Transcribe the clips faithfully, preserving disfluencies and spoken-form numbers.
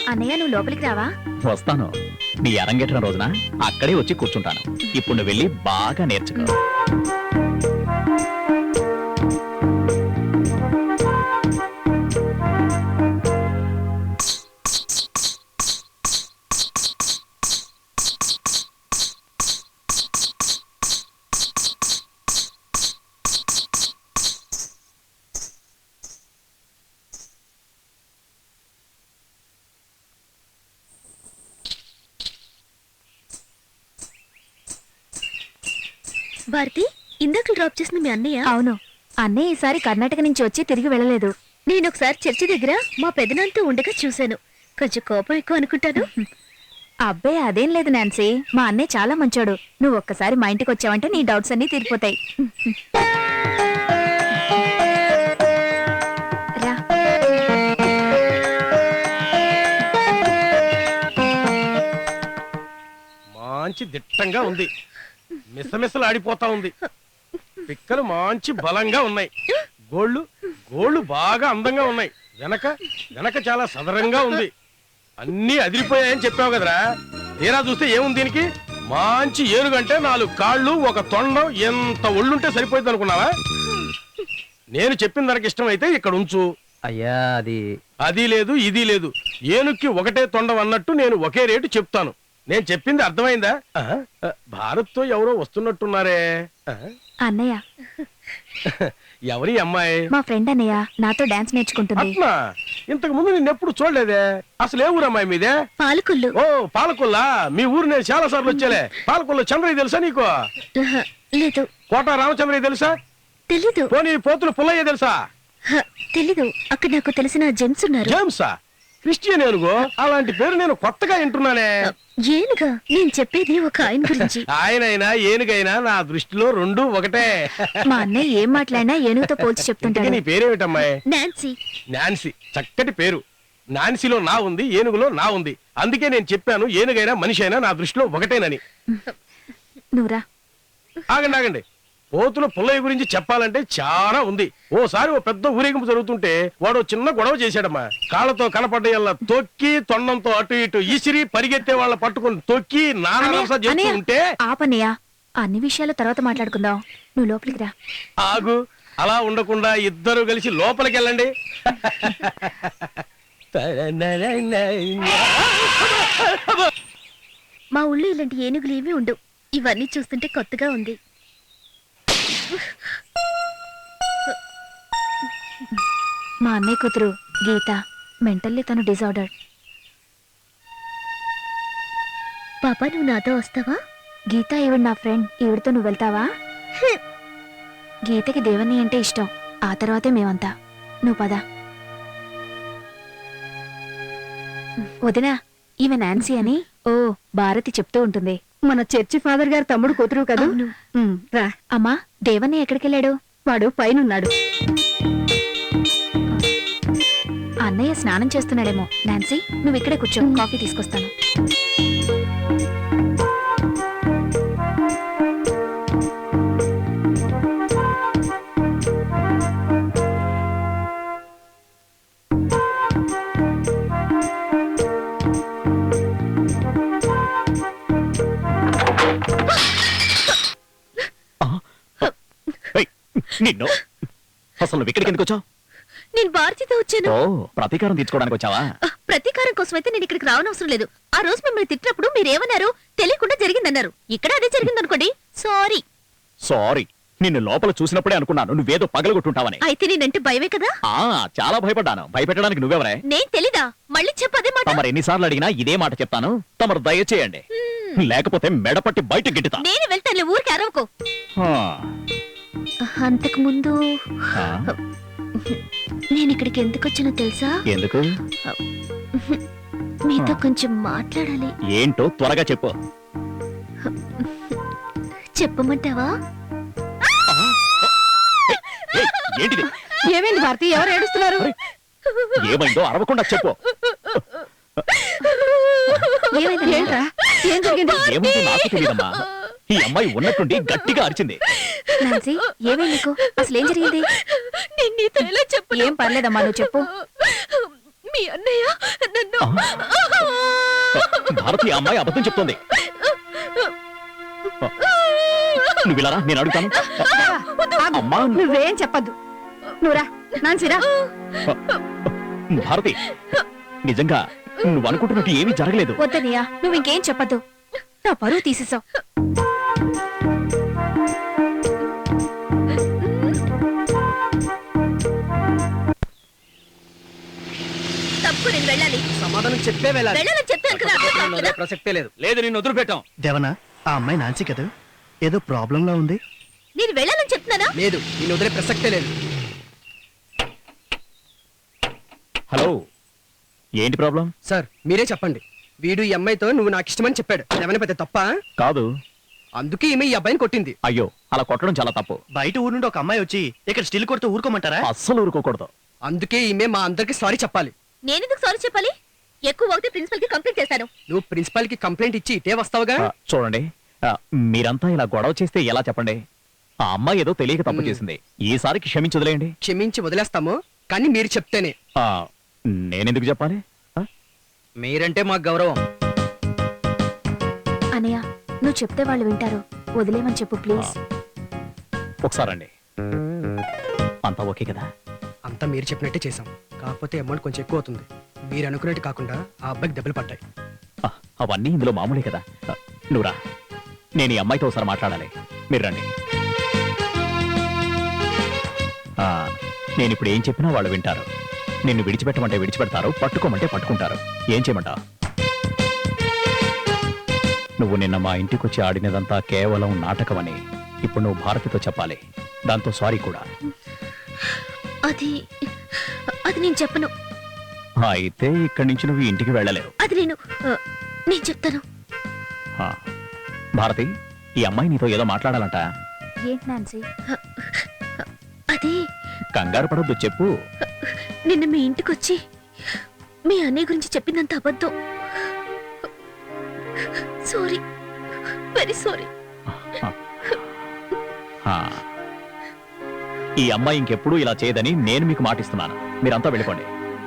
అన్నయ్య నువ్వు లోపలికి రావా? వస్తాను. నీ అరంగేట్రం రోజున అక్కడే వచ్చి కూర్చుంటాను. ఇప్పుడు నువ్వు వెళ్ళి బాగా నేర్చుకో. భారతి, ఇందాక డ్రాప్ చేసిన మీ అన్నయ్య? అవును, అన్నయ్య ఈసారి కర్ణాటక నుంచి వచ్చి తిరిగి వెళ్ళలేదు. నేను ఒకసారి చర్చి దగ్గర మా పెదనాన్నతో ఉండగా చూశాను. కొంచెం కోపం ఎక్కువ అనుకుంటాను. అబ్బే అదేం లేదు నాన్సీ, మా అన్నయ్య చాలా మంచోడు. నువ్వు ఒక్కసారి మా ఇంటికి వచ్చావంటే నీ డౌట్స్ అన్ని తీరిపోతాయి. రా. మంచి దిట్టంగా ఉంది, మిసమిసలు ఆడిపోతా ఉంది. పిక్కలు మంచి బలంగా ఉన్నాయి. గోళ్ళు గోళ్ళు బాగా అందంగా ఉన్నాయి. వెనక వెనక చాలా సదరంగా ఉంది. అన్నీ అదిరిపోయాయని చెప్పావు కదరా. తీరా చూస్తే ఏముంది దీనికి? మంచి ఏనుగంటే నాలుగు కాళ్ళు, ఒక తొండం, ఎంత ఒళ్ళుంటే సరిపోయింది అనుకున్నావా? నేను చెప్పిన దానికి ఇష్టమైతే ఇక్కడ ఉంచు. అయ్యా అది అది లేదు ఇది లేదు. ఏనుక్కి ఒకటే తొండం అన్నట్టు నేను ఒకే రేటు చెప్తాను. నేను చెప్పింది అర్థమైందా? భారత్ తో ఎవరో వస్తున్నట్టున్నారే. అన్నయ్య. ఎవరి అమ్మాయి? మా ఫ్రెండ్ అన్నయ్య, నాతో డాన్స్ నేర్చుకుంటుంది. అట్లా ఇంతకు ముందు నిన్నెప్పుడు చూడలేదే. అసలు ఏ ఊరు అమ్మాయి మీదే? పాలకొల్లు. ఓ పాలకొల్లా. మీ ఊరు నేను చాలా సార్లు వచ్చేలే. పాలకొల్లు చంద్రయ్య తెలుసా నీకు? లేదు. కోట రామచంద్రయ్య తెలుసా? తెలీదు. పోనీ పోతులు పుల్లయ్య తెలుసా? తెలీదు. అక్కడ నాకు తెలిసిన జెమ్స్ ఉన్నారు. జేమ్సా? క్రిస్టియన్ ఏనుగో. అలాంటి పేరు నేను కొత్తగా వింటున్నానే. ఏనుగా? నేను చెప్పేది ఒక ఆయన గురించి. ఆయనైనా ఏనుగైనా నా దృష్టిలో రెండు ఒకటే. మా అన్నయ్య ఏం మాట్లాడినా ఏనుగుతో పోల్చి చెప్తుంటాడు. నీ పేరేమిటమ్మాయి? నాన్సీ. నాన్సీ, చక్కటి పేరు. నాన్సీలో నా ఉంది, ఏనుగులో నా ఉంది. అందుకే నేను చెప్పాను ఏనుగైనా మనిషి అయినా నా దృష్టిలో ఒకటేనని. నువ్వురా. ఆగండి ఆగండి. పోతుల పుల్లయ్య గురించి చెప్పాలంటే చాలా ఉంది. ఓసారి ఓ పెద్ద ఊరేగింపు జరుగుతుంటే వాడు చిన్న గొడవ చేశాడమ్మా. కాళ్ళతో కనపడ్డయల్లా తొక్కి, తొండంతో అటు ఇటు ఈసిరి, పరిగెత్తే వాళ్ళ పట్టుకుని తొక్కి నానా చేస్తూ ఉంటే. ఆపన్నయ్య, అన్ని విషయాలు తర్వాత మాట్లాడుకుందాం. నువ్వు లోపలికి రా. ఆగు. అలా ఉండకుండా ఇద్దరు కలిసి లోపలికి వెళ్ళండి. మా ఊళ్ళో ఇలాంటి ఏనుగులు ఏమీ ఉండవు. ఇవన్నీ చూస్తుంటే కొత్తగా ఉంది. మా అన్నయ్య కూతురు గీత, మెంటల్లీ తను డిజార్డర్డ్. పాపా, నువ్వు నాతో వస్తావా? గీత ఈవిడ నా ఫ్రెండ్. ఈవిడతో నువ్వు వెళ్తావా? గీతకి దేవని అంటే ఇష్టం. ఆ తర్వాతే మేమంతా. నువ్వు పద. వదినా, ఈమె నాన్సీ అని. ఓ, భారతి చెప్తూ ఉంటుంది. మన చర్చి ఫాదర్ గారు తమ్ముడు కూతురు కదా. రా. అమ్మా, దేవని ఎక్కడికెళ్ళాడు? వాడు పైనున్నాడు. అన్నయ్య స్నానం చేస్తున్నాడేమో. నాన్సీ, నువ్వు ఇక్కడే కూర్చో, కాఫీ తీసుకొస్తాను. నిన్ను అసలు నువ్వు ఇక్కడికి ఎందుకు వచ్చావు? నేను భారతితో వచ్చాను. ఓ, ప్రతీకారం తీర్చుకోవడానికి వచ్చావా? ప్రతీకారం కోసం అయితే నేను ఇక్కడికి రావనవసరం లేదు. ఆ రోజు మిమ్మల్ని తిట్టినప్పుడు మీరేమన్నారు? తెలియకుండా జరిగిందన్నారు. ఇక్కడ అదే జరిగిందనుకోండి. సారీ. సారీ. నిన్ను లోపల చూసినప్పుడే అనుకున్నాను నువ్వేదో పగలగొట్టుంటావని. అయితే నేనంటే భయమే కదా? ఆ చాలా భయపడ్డాను. భయపెట్టడానికి నువ్వెవరే? నేను తెలీదా? మళ్ళీ చెప్పదే మాట. తమరు ఎన్నిసార్లు అడిగినా ఇదే మాట చెప్తాను. తమరు దయచేయండి, లేకపోతే మెడపట్టి బయట గిట్టుతా. నేను వెళ్తాను, ఊరికి అరవకు. అంతకు ముందు నేను ఇక్కడికి ఎందుకు వచ్చానో తెలుసా? ఎందుకు? మీతో కొంచెం మాట్లాడాలి. ఏంటో త్వరగా చెప్పు. చెప్పమంటావా? ఏంటిది? ఏమైంది భారతి? ఎవరు ఏడుస్తున్నారు? ఏమైందో అరవకుండా చెప్పు. ఏంట్రా? ఏం జరిగింది? ఏముందో నాకు తెలియదమ్మా. ఈ అమ్మాయి ఉన్నట్టుండి గట్టిగా అరిచింది. నాన్సీ, ఏమైంది నీకు? అసలు ఏం జరిగింది? నేను నీతో ఎలా చెప్పు? ఏం పర్లేదమ్మా, నువ్వు చెప్పు. మీ అన్నయ్య నన్ను భారతి ఆ అమ్మాయి అబద్ధం చెప్తోంది. నువ్వు ఇలా రా, నేను అడుగుతాను. ఆగు. అమ్మా నువ్వేం చెప్పద్దు. నువ్వురా నాన్సిరా. భారతి, నిజంగా నువ్వు అనుకుంటున్నట్టు ఏమీ జరగలేదు. వద్దనయ్య, నువ్వు ఇంకేం చెప్పద్దు. నా పరువు తీసేసావు. తప్పు, నేను వెళ్ళాలి. సమాధానం చెప్పే వెళ్ళాలి. వెళ్ళాలని చెప్పాను కదా, అర్థం కాదు కదా? ప్రసక్తే లేదు. లేదు, నిన్ను వదిలిపెట్టాం. దేవనా, ఆ అమ్మాయి నాన్సీ కదా, ఏదో ప్రాబ్లం లా ఉంది. నేను వెళ్ళాలని చెప్తున్నానా? లేదు, నిన్ను వదిలే ప్రసక్తే లేదు. హలో, ఏంటి ప్రాబ్లం? సార్ మీరే చెప్పండి. వీడు ఈ అమ్మాయితో నువ్వు నాకు ఇష్టమని చెప్పాడు. ఏమైనా పెద్ద తప్ప? కాదు. అందుకే ఈమె ఈ అబ్బాయిని కొట్టింది. అయ్యో, అలా కొట్టడం చాలా తప్పు. బయట ఊరు నుండి ఒక అమ్మాయి వచ్చి ఇక్కడ స్టిల్ కొడుతూ ఊరుకోమంటారా? అస్సలు ఊరుకోకూడదు. అందుకే ఈమె మా అందరికి సారీ చెప్పాలి. నేనెందుకు సారీ చెప్పాలి? ఎక్కువ అవుతే ప్రిన్సిపల్ కి కంప్లైంట్ చేశాను. నువ్వు ప్రిన్సిపాల్ కి కంప్లైంట్ ఇచ్చి ఇటే వస్తావుగా. ఆ, చూడండి, ఆ, మీరంతా ఇలా గొడవ చేస్తే ఎలా చెప్పండి? ఆ అమ్మాయి ఏదో తెలియక తప్పు మ్. చేసింది. ఈసారికి క్షమించి వదిలేయండి. క్షమించి వదిలేస్తాము, కానీ మీరు చెప్తేనే. ఆ, నేనెందుకు చెప్పాలి? ఆ? మీరంటే మాకు గౌరవం. అనయ్య, నువ్వు చెప్తే వాళ్ళు వింటారు. వదిలేమని చెప్పు ప్లీజ్. ఒకసారండి. అంతా ఓకే కదా? అంతా మీరు చెప్పినట్టే చేసాం. కాకపోతే అమౌంట్ కొంచెం ఎక్కువ అవుతుంది. మీరు అనుకున్నట్టు కాకుండా ఆ అబ్బాయికి దెబ్బలు పడ్డాయి. ఆ, అవన్నీ ఇందులో మామూలే కదా. ఆ, నువ్వురా, నేను ఈ అమ్మాయితో ఒకసారి మాట్లాడాలి. మీరు రండి. ఆ, నేను ఇప్పుడు ఏం చెప్పినా వాళ్ళు వింటారు. నిన్ను విడిచిపెట్టమంటే విడిచిపెడతారు, పట్టుకోమంటే పట్టుకుంటారు. ఏం చేయమంటావు? నువ్వు నిన్న మా ఇంటికి వచ్చి ఆడినదంతా కేవలం నాటకమని ఇప్పుడు నువ్వు భారతితో చెప్పాలి. దాంతో సారీ కూడా. అది అది నేను చెప్పను. అయితే ఇక్కడి నుంచి నువ్వు ఇంటికి వెళ్ళలేవు. అది నేను ఆ, నేను చెప్తాను. ఆ, భారతి, ఈ అమ్మాయి నీతో ఏదో మాట్లాడాలంట. ఏంటి నాన్సీ? అది కంగారు పడొద్దు, చెప్పు. నిన్న మీ ఇంటికి వచ్చి మీ అన్నయ్య గురించి చెప్పిందంత అబద్ధం. Sorry, very sorry. ఆ, ఈ అమ్మాయి ఇంకెప్పుడు ఇలా చేయదని నేను మీకు మాటిస్తున్నాను. మీరంతా వెళ్ళిపోండి.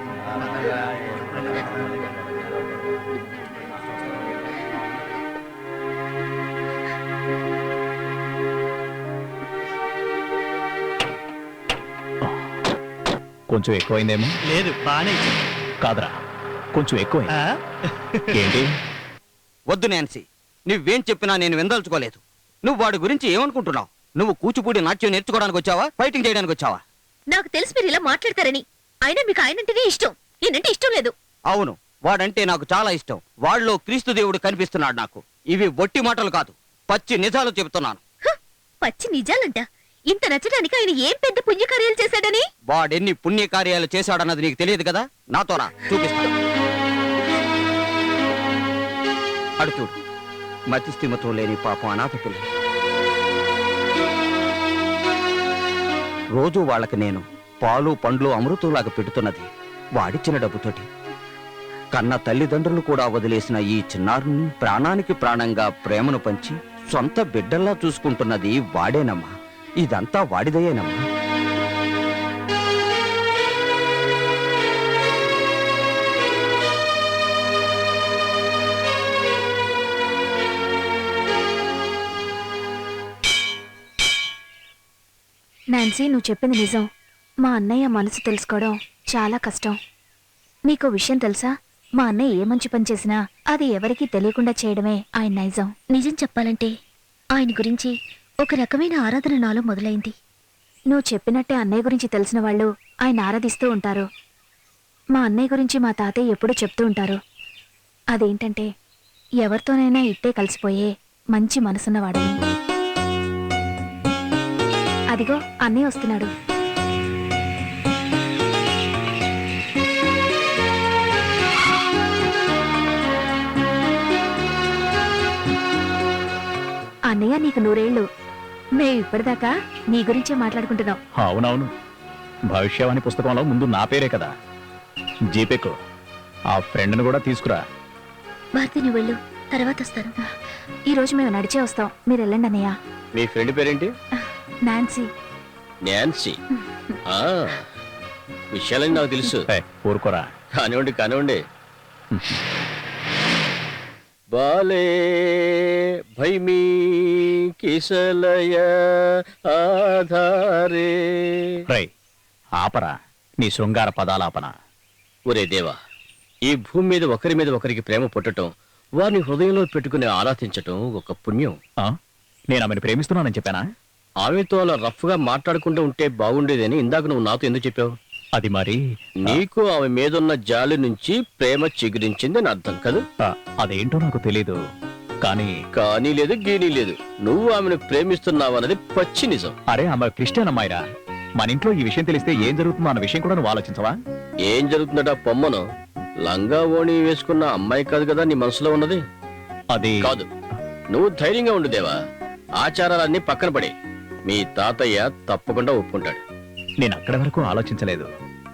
కొంచెం ఎక్కువైందేమో. లేదు, బానే ఇచ్చింది. కాదరా, కొంచెం ఎక్కువైంది. ఆ? ఏంటి? వద్దు నాన్సీ, నువ్వేం చెప్పినా నేను విందల్చుకోలేదు. నువ్వు వాడి గురించి ఏమనుకుంటున్నావు? నువ్వు కూచిపూడి నాట్యం నేర్చుకోవడానికి వచ్చావా, ఫైటింగ్ చేయడానికి వచ్చావా? నాకు తెలిసి మీరు ఇలా మాట్లాడతారని. అయినా మీకు ఆయనంటేనే ఇష్టం, నేనంటే ఇష్టం లేదు. అవును, వాడంటే నాకు చాలా ఇష్టం. వాళ్ళలో క్రీస్తు దేవుడు కనిపిస్తున్నాడు నాకు. ఇవి ఒట్టి మాటలు కాదు, పచ్చి నిజాలు చెబుతున్నాను. హ, పచ్చి నిజాలంట. ఇంత నచ్చడానికి ఆయన ఏం పెద్ద పుణ్యకార్యాలు చేశాడని? వాడెన్ని పుణ్యకార్యాలు చేశాడన్నది నీకు తెలియదు కదా. నాతో రా, చూపిస్తాను. అడు చూడు, మతిస్థిమతో లేని పాపం అనాథ పిల్లలు. రోజు వాళ్ళకి నేను పాలు పండ్లు అమృతంలాగా పెడుతున్నది వాడిచ్చిన డబ్బుతోటి. కన్న తల్లిదండ్రులు కూడా వదిలేసిన ఈ చిన్నారుని ప్రాణానికి ప్రాణంగా ప్రేమను పంచి సొంత బిడ్డల్లా చూసుకుంటున్నది వాడేనమ్మా. ఇదంతా వాడిదయేనమ్మా. నాన్సీ, నువ్వు చెప్పింది నిజం. మా అన్నయ్య మనసు తెలుసుకోవడం చాలా కష్టం. నీకో విషయం తెలుసా? మా అన్నయ్య ఏ మంచి పని చేసినా అది ఎవరికీ తెలియకుండా చేయడమే ఆయన నైజం. నిజం చెప్పాలంటే ఆయన గురించి ఒక రకమైన ఆరాధన నాలో మొదలైంది. నువ్వు చెప్పినట్టే అన్నయ్య గురించి తెలిసిన వాళ్ళు ఆయన ఆరాధిస్తూ ఉంటారు. మా అన్నయ్య గురించి మా తాతయ్య ఎప్పుడూ చెప్తూ ఉంటారు. అదేంటంటే ఎవరితోనైనా ఇట్టే కలిసిపోయే మంచి మనసున్నవాడని. అదిగో అన్నయ్య వస్తున్నాడు. అన్నయ్య, నీకు నూరేళ్లు. మేము ఇప్పటిదాకా నీ గురించే మాట్లాడుకుంటున్నాం. అవునవును, భవిష్యవాణి పుస్తకంలో ముందు నా పేరే కదా. జీపేకు ఆ ఫ్రెండ్ను కూడా తీసుకురా. భారతి, నువ్వు వెళ్ళు, తర్వాత వస్తాను. ఈ రోజు మేము నడిచే వస్తాం, మీరు వెళ్ళండి అన్నయ్య. మీ ఫ్రెండ్ పేరేంటి? నాన్సీ. నాన్సీ. ఆ, విషయాలని నాకు తెలుసు. ఏ, ఊరుకోరా. కానివ్వండి కానివ్వండి. బాలే భైమీ కిసలయ ఆధారే. రై ఆపరా నీ శృంగార పదాలాపన. ఒరే దేవా, ఈ భూమి మీద ఒకరి మీద ఒకరికి ప్రేమ పుట్టటం, వారిని హృదయంలో పెట్టుకుని ఆరాధించటం ఒక పుణ్యం. ఆ? నేను ఆమెను ప్రేమిస్తున్నానని చెప్పానా? ఆమెతో అలా రఫ్ గా మాట్లాడుకుంటూ ఉంటే బాగుండేదని ఇందాక నువ్వు నాతో ఎందుకు చెప్పావు? అది మరి నీకు ఆమె మీదున్న జాలి నుంచి ప్రేమ చిగురించింది అని అర్థం కదా? ఆ, అదేంటో నాకు తెలీదు. కానీ కానీ లేదు గీనీ లేదు, నువ్వు ఆమెను ప్రేమిస్తున్నావన్నది పచ్చి నిజం. అరే ఆమె క్రిస్టియన్ అమ్మాయిరా. మన ఇంట్లో ఈ విషయం తెలిస్తే ఏం జరుగుతుందో అన్న విషయం కూడా నువ్వు ఆలోచించవా? ఏం జరుగుతుందట పొమ్మను? లంగా ఓణి వేసుకున్న అమ్మాయి కాదు కదా నీ మనసులో ఉన్నది? అది కాదు, నువ్వు ధైర్యంగా ఉండు దేవా. ఆచారాలన్నీ పక్కన పడే, మీ తాతయ్య తప్పకుండా ఒప్పుకుంటాడు. నేను అక్కడి వరకు ఆలోచించలేదు.